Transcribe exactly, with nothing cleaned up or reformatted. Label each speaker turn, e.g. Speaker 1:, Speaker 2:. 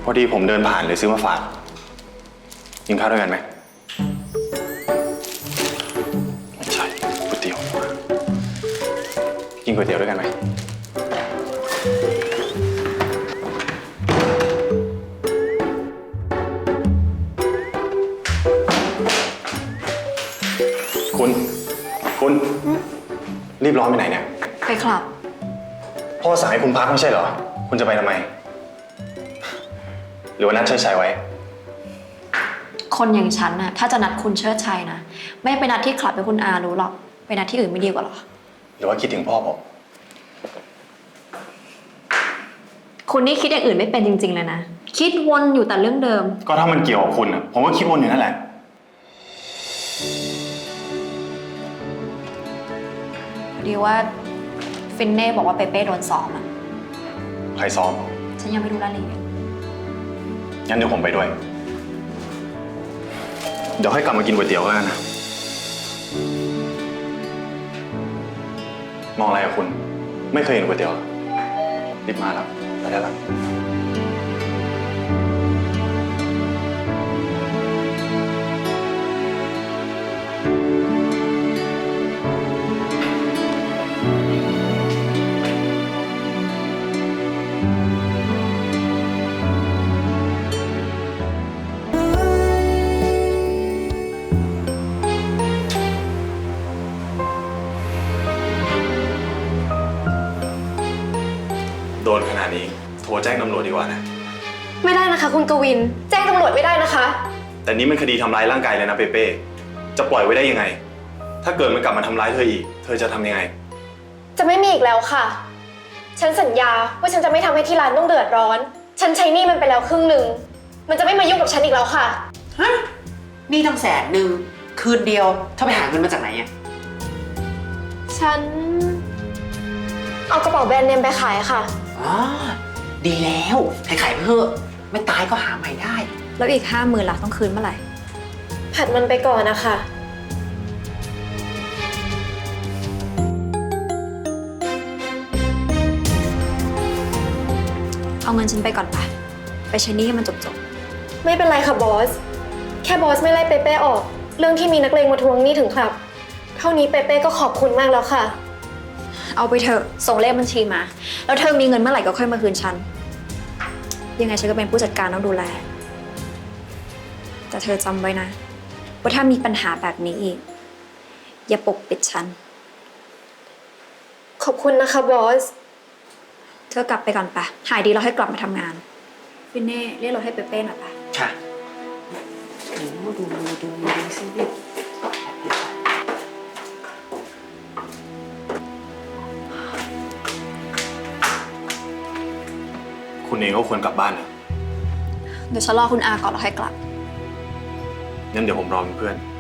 Speaker 1: พอดีผมเดินผ่านเลยซื้อมาฝากกินข้าวด้วยกันไหมไม่ใช่ก๋วยเตี๋ยวกินก๋วยเตี๋ยวด้วยกันไหมคุณคุณรีบร้อนไปไหนเนี่ย
Speaker 2: ไปคลับ
Speaker 1: พ่อสั่งให้คุณพักไม่ใช่เหรอคุณจะไปทำไมหรือว่านัดเชิดชัยไว้
Speaker 2: คนอย่างฉันน่ะถ้าจะนัดคุณเชิดชัยนะไม่ไปนัดที่คลับให้คุณอารู้หรอกไปนัดที่อื่นไม่ดีกว่าหรอ
Speaker 1: หรือว่าคิดถึงพ่อผม
Speaker 2: คุณนี่คิดอย่างอื่นไม่เป็นจริงๆเลยนะคิดวนอยู่แต่เรื่องเดิม
Speaker 1: ก็ถ้ามันเกี่ยวกับคุณอ่ะผมก็คิดวนอยู่นั่นแหละ
Speaker 2: พอดีว่าฟินเน่บอกว่าเปเป้โดนซ้อมอ่ะ
Speaker 1: ใครซ้อม
Speaker 2: ฉันยังไม่รู้รายละเอียด
Speaker 1: งั้นเดี๋ยวผมไปด้วยเดี๋ยวให้กลับมากินก๋วยเตี๋ยวกันนะมองอะไรกับคุณไม่เคยเห็นก๋วยเตี๋ยวรีบมาแล้วไปได้แล้วโดนขนาดนี้โทรแจ้งตำรวจดีกว่านะ
Speaker 3: ไม่ได้นะคะคุณกวินแจ้งตำรวจไม่ได้นะคะ
Speaker 1: แต่นี้มันคดีทำร้ายร่างกายเลยนะเปเป้จะปล่อยไว้ได้ยังไงถ้าเกิดมันกลับมาทำร้ายเธออีกเธอจะทำยังไง
Speaker 3: จะไม่มีอีกแล้วค่ะฉันสัญญาว่าฉันจะไม่ทำให้ที่ร้านต้องเดือดร้อนฉันใช้หนี้มันไปแล้วครึ่งหนึ่งมันจะไม่มายุ่งกับฉันอีกแล้วค่ะ
Speaker 4: ฮะหนี้ตั้งแสนหนึ่งคืนเดียวเธอไปหาเงินมาจากไหนอ่ะ
Speaker 3: ฉันเอากระเป๋าแบรนด์เนมไปขายค่ะ
Speaker 4: อ๋อดีแล้วขายขายเพื่อไม่ตายก็หาใหม่ได้
Speaker 2: แล้วอีกห้าหมื่นล่ะต้องคืนเมื่อไหร่
Speaker 3: ผัดมันไปก่อนนะคะ
Speaker 2: เอาเงินฉันไปก่อนไปไปใช้หนี้ให้มันจบ
Speaker 3: ๆไม่เป็นไรค่ะบอสแค่บอสไม่ไล่เปเป้ออกเรื่องที่มีนักเลงมาทวงหนี้ถึงครับเท่านี้เปเป้ก็ขอบคุณมากแล้วค่ะ
Speaker 2: เอาไปเถอะส่งเลขบัญชีมาแล้วเธอมีเงินเมื่อไหร่ก็ค่อยมาคืนฉันยังไงฉันก็เป็นผู้จัดการต้องดูแลแต่เธอจำไว้นะว่าถ้ามีปัญหาแบบนี้อีกอย่าปกปิดฉัน
Speaker 3: ขอบคุณนะคะบอส
Speaker 2: เธอกลับไปก่อนปะหายดีแล้วให้กลับมาทำงานฟินเน่เรียกรถให้เปเป้หน่อยปะ
Speaker 4: ค่ะดูดูดูดูสิ
Speaker 1: คุณเองก็ควรกลับบ้านนะ
Speaker 2: เดี๋ยวฉันรอคุณอาก่อนแล้วค่อยกลับ
Speaker 1: งั้นเดี๋ยวผมรอเป็นเพื่อน